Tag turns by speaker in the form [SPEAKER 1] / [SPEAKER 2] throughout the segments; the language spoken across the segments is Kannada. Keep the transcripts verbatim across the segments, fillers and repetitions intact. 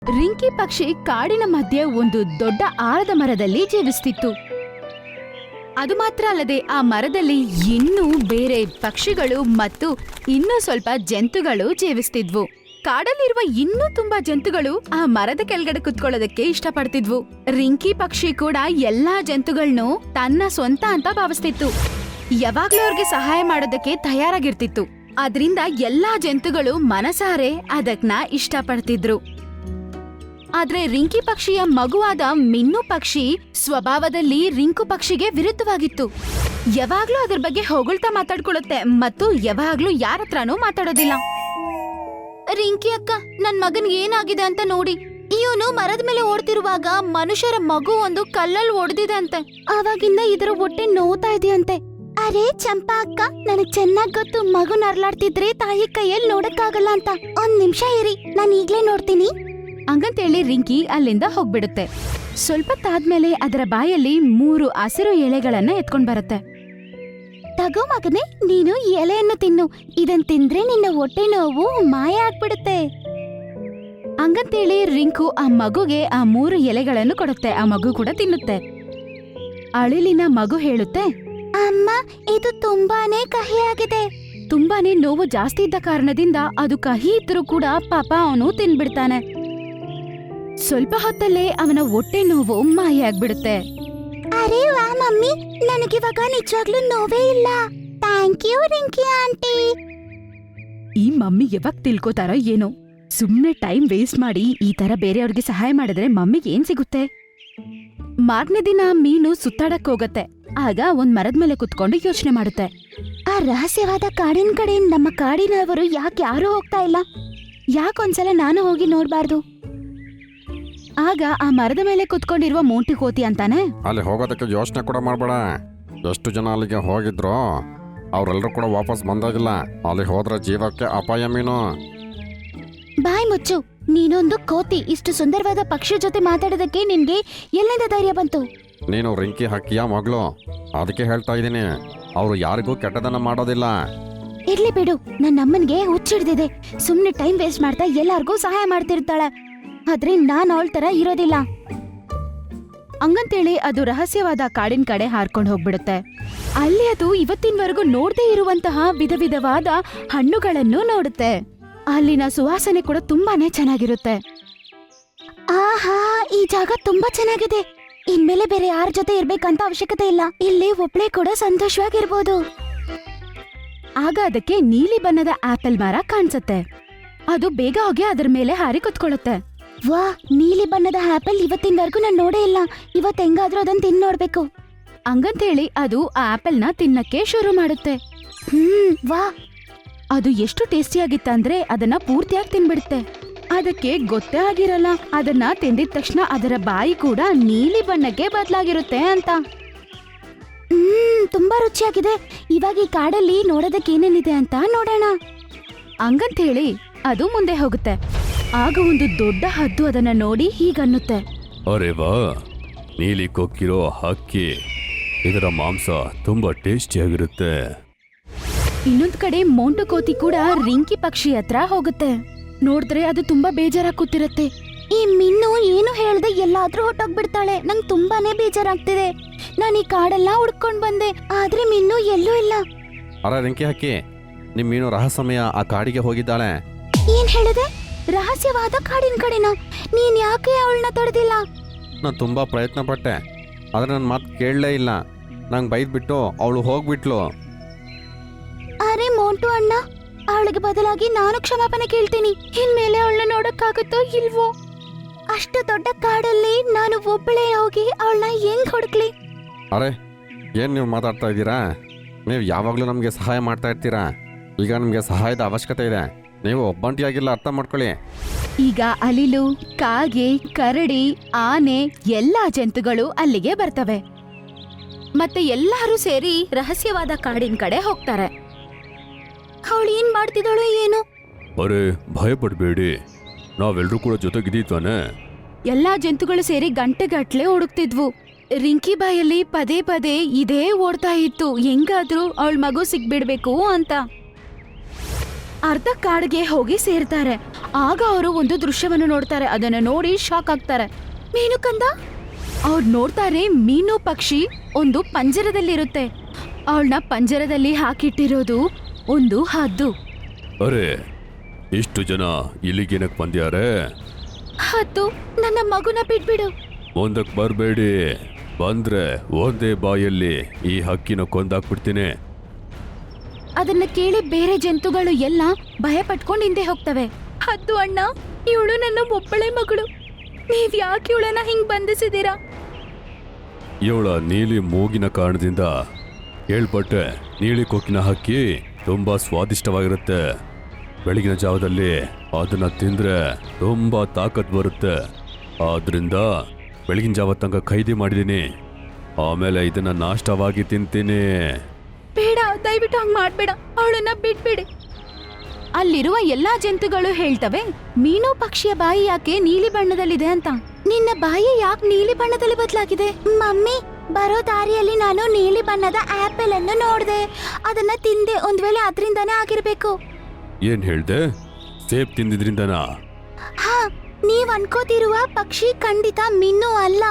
[SPEAKER 1] ರಿಂಕಿ ಪಕ್ಷಿ ಕಾಡಿನ ಮಧ್ಯೆ ಒಂದು ದೊಡ್ಡ ಆಲದ ಮರದಲ್ಲಿ ಜೀವಿಸ್ತಿತ್ತು. ಅದು ಮಾತ್ರ ಅಲ್ಲದೆ ಆ ಮರದಲ್ಲಿ ಇನ್ನೂ ಬೇರೆ ಪಕ್ಷಿಗಳು ಮತ್ತು ಇನ್ನೂ ಸ್ವಲ್ಪ ಜಂತುಗಳು ಜೀವಿಸ್ತಿದ್ವು. ಕಾಡಲ್ಲಿರುವ ಇನ್ನೂ ತುಂಬಾ ಜಂತುಗಳು ಆ ಮರದ ಕೆಳಗಡೆ ಕುತ್ಕೊಳ್ಳೋದಕ್ಕೆ ಇಷ್ಟಪಡ್ತಿದ್ವು. ರಿಂಕಿ ಪಕ್ಷಿ ಕೂಡ ಎಲ್ಲಾ ಜಂತುಗಳನ್ನು ತನ್ನ ಸ್ವಂತ ಅಂತ ಭಾವಿಸ್ತಿತ್ತು. ಯಾವಾಗ್ಲೂ ಅವ್ರಿಗೆ ಸಹಾಯ ಮಾಡೋದಕ್ಕೆ ತಯಾರಾಗಿರ್ತಿತ್ತು. ಅದ್ರಿಂದ ಎಲ್ಲಾ ಜಂತುಗಳು ಮನಸಾರೆ ಅದಕ್ನ ಇಷ್ಟಪಡ್ತಿದ್ರು. ಆದ್ರೆ ರಿಂಕಿ ಪಕ್ಷಿಯ ಮಗುವಾದ ಮಿನ್ನು ಪಕ್ಷಿ ಸ್ವಭಾವದಲ್ಲಿ ರಿಂಕು ಪಕ್ಷಿಗೆ ವಿರುದ್ಧವಾಗಿತ್ತು. ಯಾವಾಗ್ಲೂ ಅದ್ರ ಬಗ್ಗೆ ಹೊಗಳ್ತಾ ಮಾತಾಡ್ಕೊಳ್ಳುತ್ತೆ ಮತ್ತು ಯಾವಾಗ್ಲೂ ಯಾರತ್ರನೂ ಮಾತಾಡೋದಿಲ್ಲ. ರಿಂಕಿ ಅಕ್ಕ, ನನ್ ಮಗನ್ ಏನಾಗಿದೆ ಅಂತ ನೋಡಿ. ಇವನು ಮರದ ಮೇಲೆ ಓಡ್ತಿರುವಾಗ ಮನುಷ್ಯರ ಮಗು ಒಂದು ಕಲ್ಲಲ್ಲಿ ಒಡೆದಿದೆ ಅಂತೆ. ಆವಾಗಿಂದ ಇದರ ಹೊಟ್ಟೆ ನೋವ್ತಾ ಇದೆಯಂತೆ. ಅರೆ ಚಂಪಾ ಅಕ್ಕ, ನನಗ್ ಚೆನ್ನಾಗ್ ಗೊತ್ತು ಮಗು ನರ್ಲಾಡ್ತಿದ್ರೆ ತಾಯಿ ಕೈಯಲ್ಲಿ ನೋಡಕ್ಕಾಗಲ್ಲ ಅಂತ. ಒಂದ್ ನಿಮಿಷ ಇರಿ, ನಾನ್ ಈಗ್ಲೇ ನೋಡ್ತೀನಿ ಹಂಗಂತೇಳಿ ರಿಂಕಿ ಅಲ್ಲಿಂದ ಹೋಗ್ಬಿಡುತ್ತೆ. ಸ್ವಲ್ಪ ತಾದ್ಮೇಲೆ ಅದರ ಬಾಯಲ್ಲಿ ಮೂರು ಹಸಿರು ಎಲೆಗಳನ್ನ ಎತ್ಕೊಂಡ್ ಬರುತ್ತೆ. ತಗೋ ಮಗನೇ, ನೀನು ಎಲೆಯನ್ನು ತಿನ್ನು. ಇದನ್ ತಿಂದ್ರೆ ನಿನ್ನ ಹೊಟ್ಟೆ ನೋವು ಮಾಯ ಆಗ್ಬಿಡುತ್ತೆ. ಹಂಗಂತೇಳಿ ರಿಂಕು ಆ ಮಗುಗೆ ಆ ಮೂರು ಎಲೆಗಳನ್ನು ಕೊಡುತ್ತೆ. ಆ ಮಗು ಕೂಡ ತಿನ್ನುತ್ತೆ. ಅಳಿಲಿನ ಮಗು ಹೇಳುತ್ತೆ, ಅಮ್ಮ, ಇದು ತುಂಬಾನೇ ಕಹಿಯಾಗಿದೆ. ತುಂಬಾನೇ ನೋವು ಜಾಸ್ತಿ ಇದ್ದ ಕಾರಣದಿಂದ ಅದು ಕಹಿ ಇದ್ರೂ ಕೂಡ ಪಾಪ ಅವನು ತಿನ್ಬಿಡ್ತಾನೆ. ಸ್ವಲ್ಪ ಹೊತ್ತಲ್ಲೇ ಅವನ ಹೊಟ್ಟೆ ನೋವು ಮಾಯ ಆಗ್ಬಿಡುತ್ತೆ. ಅರೆ ವಾ ಮಮ್ಮಿ, ನನಗಿವಾಗ ನಿಜವಾಗ್ಲೂ ನೋವೇ ಇಲ್ಲ. Thank you Rinki aunty. ಈ ಮಮ್ಮಿ ಯಾವಾಗ ತಿಳ್ಕೋತಾರೋ ಏನೋ, ಸುಮ್ನೆ ಟೈಮ್ ವೇಸ್ಟ್ ಮಾಡಿ ಈ ತರ ಬೇರೆಯವ್ರಿಗೆ ಸಹಾಯ ಮಾಡಿದ್ರೆ ಮಮ್ಮಿಗೆ ಏನ್ ಸಿಗುತ್ತೆ? ಮಾರನೇ ದಿನ ಮೀನು ಸುತ್ತಾಡಕ್ ಹೋಗತ್ತೆ. ಆಗ ಒಂದ್ ಮರದ ಮೇಲೆ ಕುತ್ಕೊಂಡು ಯೋಚನೆ ಮಾಡುತ್ತೆ. ಆ ರಹಸ್ಯವಾದ ಕಾಡಿನ ಕಡೆ ನಮ್ಮ ಕಾಡಿನವರು ಯಾಕೆ ಯಾರೂ ಹೋಗ್ತಾ ಇಲ್ಲ? ಯಾಕೊಂದ್ಸಲ ನಾನು ಹೋಗಿ ನೋಡ್ಬಾರ್ದು? ಆಗ ಆ ಮರದ ಮೇಲೆ ಕುತ್ಕೊಂಡಿರುವ ಮೋಂಟಿ ಕೋತಿ ಅಂತಾನೆ,
[SPEAKER 2] ಅಲ್ಲಿ ಹೋಗೋದಕ್ಕೆ ಯೋಚನೆ ಕೂಡ ಮಾಡಬೇಡ. ಎಷ್ಟು ಜನ ಅಲ್ಲಿಗೆ ಹೋಗಿದ್ರು ಅವರೆಲ್ಲರೂ ಕೂಡ ವಾಪಸ್ ಬಂದಾಗಿಲ್ಲ. ಅಲ್ಲಿ ಹೋದ್ರೆ ಜೀವಕ್ಕೆ ಅಪಾಯ ಮೀನು.
[SPEAKER 1] ಬಾಯ್ ಮುಚ್ಚು, ನೀನೊಂದು ಕೋತಿ. ಇಷ್ಟು ಸುಂದರವಾದ ಪಕ್ಷಿ ಜೊತೆ ಮಾತಾಡೋದಕ್ಕೆ ನಿನ್ಗೆ ಎಲ್ಲಿಂದ ಧೈರ್ಯ ಬಂತು?
[SPEAKER 2] ನೀನು ರಿಂಕಿ ಹಕ್ಕಿಯ ಮಗಳು, ಅದಕ್ಕೆ ಹೇಳ್ತಾ ಇದ್ದೀನಿ. ಅವರು ಯಾರಿಗೂ ಕೆಟ್ಟದನ್ನ ಮಾಡೋದಿಲ್ಲ.
[SPEAKER 1] ಇರ್ಲಿ ಬಿಡು, ನನ್ನ ಅಮ್ಮನ್ಗೆ ಹುಚ್ಚಿಡ್ದಿದೆ. ಸುಮ್ನೆ ಟೈಮ್ ವೇಸ್ಟ್ ಮಾಡ್ತಾ ಎಲ್ಲಾರ್ಗೂ ಸಹಾಯ ಮಾಡ್ತಿರ್ತಾಳೆ. ಆದ್ರೆ ನಾನ್ ಅವಳ ತರ ಇರೋದಿಲ್ಲ. ಹಂಗಂತೇಳಿ ಅದು ರಹಸ್ಯವಾದ ಕಾಡಿನ ಕಡೆ ಹಾರ್ಕೊಂಡು ಹೋಗ್ಬಿಡುತ್ತೆ. ಅಲ್ಲಿ ಅದು ಇವತ್ತಿನವರೆಗೂ ನೋಡದೇ ಇರುವಂತಹ ವಿಧ ವಿಧವಾದ ಹಣ್ಣುಗಳನ್ನು ನೋಡುತ್ತೆ. ಅಲ್ಲಿನ ಸುವಾಸನೆ ಕೂಡ ತುಂಬಾನೇ ಚೆನ್ನಾಗಿರುತ್ತೆ. ಆಹಾ, ಈ ಜಾಗ ತುಂಬಾ ಚೆನ್ನಾಗಿದೆ. ಇನ್ಮೇಲೆ ಬೇರೆ ಯಾರ ಜೊತೆ ಇರ್ಬೇಕಂತ ಅವಶ್ಯಕತೆ ಇಲ್ಲ. ಇಲ್ಲಿ ಒಬ್ಳೆ ಕೂಡ ಸಂತೋಷವಾಗಿರ್ಬೋದು. ಆಗ ಅದಕ್ಕೆ ನೀಲಿ ಬಣ್ಣದ ಆಪಲ್ ಮರ ಕಾಣಿಸುತ್ತೆ. ಅದು ಬೇಗ ಹೋಗಿ ಅದರ ಮೇಲೆ ಹಾರಿ ಕುತ್ಕೊಳ್ಳುತ್ತೆ. ವಾ, ನೀಲಿ ಬಣ್ಣದ ಆಪಲ್ ಇವತ್ತಿನವರೆಗೂ ನಾನು ನೋಡೇ ಇಲ್ಲ. ಇವತ್ತು ಹೆಂಗಾದ್ರೂ ಅದನ್ನ ತಿನ್ ನೋಡ್ಬೇಕು ಹಂಗಂತೇಳಿ ಅದು ಆ ಆಪಲ್ನ ತಿನ್ನಕ್ಕೆ ಶುರು ಮಾಡುತ್ತೆ. ಹ್ಮ್ ವಾ, ಅದು ಎಷ್ಟು ಟೇಸ್ಟಿಯಾಗಿತ್ತಂದ್ರೆ ಅದನ್ನ ಪೂರ್ತಿಯಾಗಿ ತಿನ್ಬಿಡುತ್ತೆ. ಅದಕ್ಕೆ ಗೊತ್ತೇ ಆಗಿರಲ್ಲ ಅದನ್ನ ತಿಂದಿದ ತಕ್ಷಣ ಅದರ ಬಾಯಿ ಕೂಡ ನೀಲಿ ಬಣ್ಣಕ್ಕೆ ಬದಲಾಗಿರುತ್ತೆ ಅಂತ. ಹ್ಮ್ ತುಂಬಾ ರುಚಿಯಾಗಿದೆ. ಇವಾಗ ಈ ಕಾಡಲ್ಲಿ ನೋಡೋದಕ್ಕೆ ಏನೇನಿದೆ ಅಂತ ನೋಡೋಣ ಹಂಗಂತ ಹೇಳಿ ಅದು ಮುಂದೆ ಹೋಗುತ್ತೆ. ಆಗ ಒಂದು ದೊಡ್ಡ ಹದ್ದು ಅದನ್ನ ನೋಡಿ ಹೀಗನ್ನುತ್ತೆ,
[SPEAKER 3] ಅರೆ ವಾ, ನೀಲಿ ಕೊಕ್ಕಿರೋ ಹಕ್ಕಿ. ಇದರ ಮಾಂಸ ತುಂಬಾ ಟೇಸ್ಟಿಯಾಗಿರುತ್ತೆ.
[SPEAKER 1] ಇನ್ನೊಂದ್ ಕಡೆ ಮೋಂಟು ಕೋತಿ ಕೂಡ ರಿಂಕಿ ಪಕ್ಷಿ ಹತ್ರ ಹೋಗುತ್ತೆ. ನೋಡಿದ್ರೆ ಅದು ತುಂಬಾ ಬೇಜಾರಾಗಿ ಕೂತಿರತ್ತೆ. ಈ ಮಿನ್ನು ಏನು ಹೇಳ್ದೆ ಎಲ್ಲಾದ್ರೂ ಹೊಟ್ಟೋಗ್ಬಿಡ್ತಾಳೆ. ನಂಗೆ ತುಂಬಾನೇ ಬೇಜಾರಾಗ್ತಿದೆ. ನಾನು ಈ ಕಾಡೆಲ್ಲ ಹುಡ್ಕೊಂಡ್ ಬಂದೆ, ಆದ್ರೆ ಮಿನ್ನು ಎಲ್ಲೂ ಇಲ್ಲ.
[SPEAKER 2] ಅರೆ ರಿಂಕಿ ಹಕ್ಕಿ, ನಿಮ್ ಮೀನು ರಹಸ್ಯಮಯ ಆ ಕಾಡಿಗೆ ಹೋಗಿದ್ದಾಳೆ.
[SPEAKER 1] ಏನ್ ಹೇಳಿದೆ? ರಹಸ್ಯವಾದ ಕಾಡಿನ ಕಡೆನ? ನೀನ್ ಯಾಕೆ ಅವಳನ್ನ ತಡೆದಿಲ್ಲ?
[SPEAKER 2] ನಾನು ತುಂಬಾ ಪ್ರಯತ್ನ ಪಟ್ಟೆ, ಆದ್ರೆ ನನ್ನ ಮಾತು ಕೇಳಲೇ ಇಲ್ಲ. ನಂಗೆ ಬೈದ್ಬಿಟ್ಟು ಅವಳು ಹೋಗ್ಬಿಟ್ಲು.
[SPEAKER 1] ಅರೆ ಮೋಂಟು ಅಣ್ಣ, ಅವಳಿಗೆ ಬದಲಾಗಿ ನಾನು ಕ್ಷಮಾಪಣೆ ಕೇಳ್ತೀನಿ. ಇನ್ಮೇಲೆ ಅವಳನ್ನ ನೋಡಕ್ಕಾಗುತ್ತೋ ಇಲ್ವೋ? ಅಷ್ಟು ದೊಡ್ಡ ಕಾಡಲ್ಲಿ ನಾನು ಒಬ್ಬಳೇ ಹೋಗಿ ಅವಳನ್ನ ಹೆಂಗ್ ಹುಡುಕ್ಲಿ?
[SPEAKER 2] ಅರೆ, ಏನು ನೀವು ಮಾತಾಡ್ತಾ ಇದ್ದೀರಾ? ನೀವು ಯಾವಾಗಲೂ ನಮಗೆ ಸಹಾಯ ಮಾಡ್ತಾ ಇರ್ತೀರಾ. ಈಗ ನಿಮಗೆ ಸಹಾಯದ ಅವಶ್ಯಕತೆ ಇದೆ. ನೀವು ಒಬ್ಬಂಟಿಯಾಗಿಲ್ಲ, ಅರ್ಥ ಮಾಡ್ಕೊಳ್ಳಿ.
[SPEAKER 1] ಈಗ ಅಲಿಲು, ಕಾಗೆ, ಕರಡಿ, ಆನೆ ಎಲ್ಲಾ ಜಂತುಗಳು ಅಲ್ಲಿಗೆ ಬರ್ತವೆ. ಮತ್ತೆ ಎಲ್ಲರೂ ಸೇರಿ ರಹಸ್ಯವಾದ ಕಾಡಿನ ಕಡೆ ಹೋಗ್ತಾರೆ. ಅವಳು ಏನ್ ಮಾಡ್ತಿದ್ದಾಳೋ ಏನು?
[SPEAKER 3] ಅರೆ ಭಯ ಪಡ್ಬೇಡಿ, ನಾವೆಲ್ಲರೂ ಕೂಡ ಜೊತೆಗಿದ್ದೀತಾನೆ.
[SPEAKER 1] ಎಲ್ಲಾ ಜಂತುಗಳು ಸೇರಿ ಗಂಟೆಗಟ್ಲೆ ಹುಡುಕ್ತಿದ್ವು. ರಿಂಕಿ ಬಾಯಲ್ಲಿ ಪದೇ ಪದೇ ಇದೇ ಓಡ್ತಾ ಇತ್ತು, ಹೆಂಗಾದ್ರೂ ಅವಳ ಮಗು ಸಿಗ್ಬಿಡ್ಬೇಕು ಅಂತ. ಅರ್ಧ ಕಾಡಿಗೆ ಹೋಗಿ ಸೇರ್ತಾರೆ. ಆಗ ಅವರು ಒಂದು ದೃಶ್ಯವನ್ನು ನೋಡ್ತಾರೆ. ಅದನ್ನ ನೋಡಿ ಶಾಕ್ ಆಗ್ತಾರೆ. ಮೀನು ಕಂದ ಅವ್ರು ನೋಡ್ತಾರೆ, ಮೀನು ಪಕ್ಷಿ ಒಂದು ಪಂಜರದಲ್ಲಿರುತ್ತೆ. ಅವಳನ್ನ ಪಂಜರದಲ್ಲಿ ಹಾಕಿಟ್ಟಿರೋದು ಒಂದು ಹದ್ದು.
[SPEAKER 3] ಅರೆ, ಇಷ್ಟು ಜನ ಇಲ್ಲಿಗೇನಕ್ ಬಂದ್ಯಾರೆ?
[SPEAKER 1] ಹದ್ದು, ನನ್ನ ಮಗುನ ಬಿಟ್ಬಿಡು.
[SPEAKER 3] ಮುಂದಕ್ಕೆ ಬರಬೇಡಿ. ಬಂದ್ರೆ ಒಂದೇ ಬಾಯಲ್ಲಿ ಈ ಹಕ್ಕಿನ ಕೊಂದಾಕ್ಬಿಡ್ತೀನಿ.
[SPEAKER 1] ಅದನ್ನ ಕೇಳಿ ಬೇರೆ ಜಂತುಗಳು ಎಲ್ಲ ಭಯ ಪಟ್ಕೊಂಡು ಹಿಂದೆ ಹೋಗ್ತವೆ. ಹದ್ದು ಅಣ್ಣ, ಇವಳು ನನ್ನ ಒಬ್ಬಳೆ ಮಗಳು, ನೀವ್ ಯಾಕೆ ಇವಳನ್ನ ಹಿಂಗ್ ಬಂಧಿಸಿದೀರಾ?
[SPEAKER 3] ಇವಳ ನೀಲಿ ಮೂಗಿನ ಕಾರಣದಿಂದ ಹೇಳ್ಪಟ್ಟೆ. ನೀಲಿ ಕೊಕ್ಕಿನ ಹಕ್ಕಿ ತುಂಬಾ ಸ್ವಾದಿಷ್ಟವಾಗಿರುತ್ತೆ. ಬೆಳಗಿನ ಜಾವದಲ್ಲಿ ಅದನ್ನ ತಿಂದ್ರೆ ತುಂಬಾ ತಾಕತ್ ಬರುತ್ತೆ. ಆದ್ರಿಂದ ಬೆಳಗಿನ ಜಾವ ತನಕ ಖೈದಿ ಮಾಡಿದೀನಿ. ಆಮೇಲೆ ಇದನ್ನ ನಾಷ್ಟವಾಗಿ ತಿಂತೀನಿ.
[SPEAKER 1] ಬೇಡ, ದಯವಿಟ್ಟು ಹಂಗ್ ಮಾಡ್ಬೇಡ, ಅವಳನ್ನ ಬಿಟ್ಬಿಡಿ. ಅಲ್ಲಿರುವ ಎಲ್ಲಾ ಜಂತುಗಳು ಹೇಳ್ತವೆ, ಮೀನು ಪಕ್ಷಿಯ ಬಾಯಿ ಯಾಕೆ ನೀಲಿ ಬಣ್ಣದಲ್ಲಿದೆ ಅಂತ. ನಿನ್ನ ಬಾಯಿ ಯಾಕೆ ನೀಲಿ ಬಣ್ಣದಲ್ಲಿ ಬದಲಾಗಿದೆ? ಮಮ್ಮಿ, ಬರೋ ದಾರಿಯಲ್ಲಿ ನಾನು ನೀಲಿ ಬಣ್ಣದ ಆಪಲ್ ಅನ್ನು ನೋಡ್ದೆ. ಅದನ್ನ ತಿಂದೆ. ಒಂದ್ ವೇಳೆ ಅದ್ರಿಂದಾನೇ ಆಗಿರ್ಬೇಕು.
[SPEAKER 3] ಏನ್ ಹೇಳ್ದೆ? ಸೇಬ್ ತಿಂದಿದ್ರಿಂದನಾ?
[SPEAKER 1] ಹಾ, ನೀವ್ ಅನ್ಕೋತಿರುವ ಪಕ್ಷಿ ಖಂಡಿತ ಮೀನು ಅಲ್ಲ.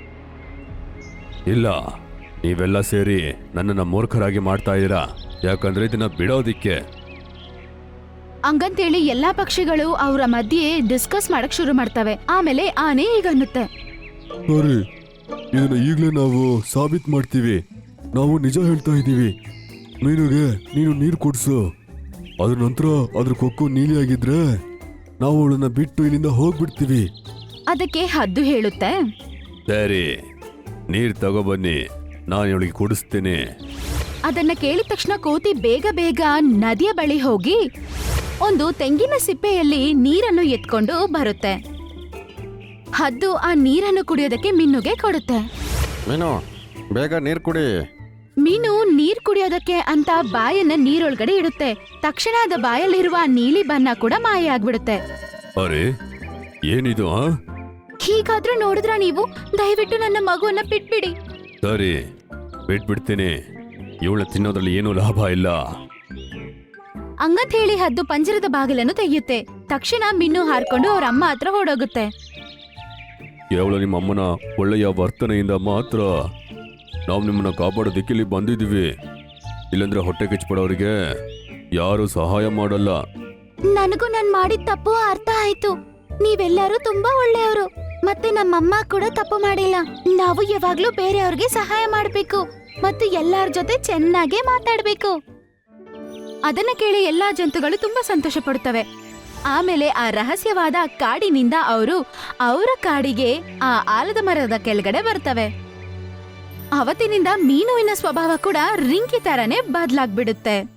[SPEAKER 3] ಇಲ್ಲ, ನೀವೆಲ್ಲ ಸೇರಿ ನನ್ನನ್ನ ಮೂರ್ಖರಾಗಿ ಮಾಡ್ತಾ ಇದ್ದೀರಾ. ಯಾಕಂದ್ರೆ ಇದನ್ನ ಬಿಡೋದಿಕ್ಕೆ.
[SPEAKER 1] ಹಂಗಂತೇಳಿ ಎಲ್ಲಾ ಪಕ್ಷಿಗಳು ಅವರ ಮಧ್ಯೆ ಡಿಸ್ಕಸ್ ಮಾಡಕ್ ಶುರು ಮಾಡ್ತವೆ. ಆಮೇಲೆ ಆನೆ ಹೀಗನ್ನುತ್ತೆ,
[SPEAKER 3] ಸರಿ, ಇದನ್ನ ಈಗಲೇ ನಾವು ಸಾಬೀತ್ ಮಾಡ್ತೀವಿ. ನಾವು ನಿಜ ಹೇಳ್ತಾ ಇದ್ದೀವಿ. ಮೀನುಗೆ ನೀನು ನೀರು ಕುಡ್ಸು. ಅದ್ರ ನಂತರ ಅದ್ರ ಕೊಕ್ಕು ನೀಲಿಯಾಗಿದ್ರೆ ನಾವು ಅವಳನ್ನ ಬಿಟ್ಟು ಇಲ್ಲಿಂದ ಹೋಗ್ಬಿಡ್ತೀವಿ.
[SPEAKER 1] ಅದಕ್ಕೆ ಹದ್ದು ಹೇಳುತ್ತೆ,
[SPEAKER 3] ಸರಿ, ನೀರ್ ತಗೊಬನ್ನಿ, ನಾನು ಇವಳಿಗೆ ಕುಡಿಸ್ತೀನಿ.
[SPEAKER 1] ಅದನ್ನ ಕೇಳಿದ ತಕ್ಷಣ ಕೋತಿ ಬೇಗ ಬೇಗ ನದಿಯ ಬಳಿ ಹೋಗಿ ಒಂದು ತೆಂಗಿನ ಸಿಪ್ಪೆಯಲ್ಲಿ ನೀರನ್ನು ಎತ್ಕೊಂಡು ಬರುತ್ತೆ. ಹದ್ದು ಆ ನೀರನ್ನು ಕುಡಿಯೋದಕ್ಕೆ ಮೀನುಗೆ ಕೊಡುತ್ತೆ.
[SPEAKER 2] ಮೀನು, ಬೇಗ ನೀರು ಕುಡಿ.
[SPEAKER 1] ಮೀನು ನೀರ್ ಕುಡಿಯೋದಕ್ಕೆ ಅಂತ ಬಾಯನ್ನ ನೀರೊಳಗಡೆ ಇಡುತ್ತೆ. ತಕ್ಷಣ ಅದ ಬಾಯಲ್ಲಿರುವ ಆ ನೀಲಿ ಬಣ್ಣ ಕೂಡ ಮಾಯ ಆಗ್ಬಿಡುತ್ತೆ.
[SPEAKER 3] ಅರೆ, ಏನಿದು? ಆ
[SPEAKER 1] ಹೀಗಾದ್ರೂ ನೋಡಿದ್ರ ನೀವು? ದಯವಿಟ್ಟು ನನ್ನ ಮಗುವನ್ನ ಬಿಟ್ಬಿಡಿ.
[SPEAKER 3] ಸರಿ, ಬಿಟ್ಬಿಡ್ತೀನಿ. ಇವಳ ತಿನ್ನೋದ್ರಲ್ಲಿ ಏನೂ ಲಾಭ ಇಲ್ಲ.
[SPEAKER 1] ಹಂಗಂತ ಹೇಳಿ ಹದ್ದು ಪಂಜರದ ಬಾಗಿಲನ್ನು ತೆಗೆಯುತ್ತೆ. ತಕ್ಷಣ ಮೀನು ಹಾರ್ಕೊಂಡು ಅವ್ರ ಅಮ್ಮ ಹತ್ರ ಹೊಡೋಗುತ್ತೆ.
[SPEAKER 3] ಕೇವಲ ನಿಮ್ಮ ಅಮ್ಮನ ಒಳ್ಳೆಯ ವರ್ತನೆಯಿಂದ ಮಾತ್ರ ನಾವು ನಿಮ್ಮನ್ನ ಕಾಪಾಡೋದಕ್ಕೆ ಇಲ್ಲಿ ಬಂದಿದ್ದೀವಿ. ಇಲ್ಲಂದ್ರೆ ಹೊಟ್ಟೆ ಕಿಚ್ಪಡೋರಿಗೆ ಯಾರು ಸಹಾಯ ಮಾಡಲ್ಲ.
[SPEAKER 1] ನನಗೂ ನಾನ್ ಮಾಡಿದ ತಪ್ಪು ಅರ್ಥ ಆಯ್ತು. ನೀವೆಲ್ಲರೂ ತುಂಬಾ ಒಳ್ಳೆಯವರು. ಮತ್ತೆ ನಮ್ಮಮ್ಮ ಕೂಡ ತಪ್ಪು ಮಾಡಿಲ್ಲ. ನಾವು ಯಾವಾಗ್ಲೂ ಬೇರೆಯವ್ರಿಗೆ ಸಹಾಯ ಮಾಡ್ಬೇಕು ಮತ್ತು ಎಲ್ಲಾರ ಜೊತೆ ಚೆನ್ನಾಗೇ ಮಾತಾಡ್ಬೇಕು. ಅದನ್ನ ಕೇಳಿ ಎಲ್ಲಾ ಜಂತುಗಳು ತುಂಬಾ ಸಂತೋಷ ಪಡುತ್ತವೆ. ಆಮೇಲೆ ಆ ರಹಸ್ಯವಾದ ಕಾಡಿನಿಂದ ಅವರು ಅವರ ಕಾಡಿಗೆ ಆ ಆಲದ ಮರದ ಕೆಳಗಡೆ ಬರ್ತವೆ. ಅವತ್ತಿನಿಂದ ಮೀನುವಿನ ಸ್ವಭಾವ ಕೂಡ ರಿಂಕಿ ತರನೇ ಬದಲಾಗ್ಬಿಡುತ್ತೆ.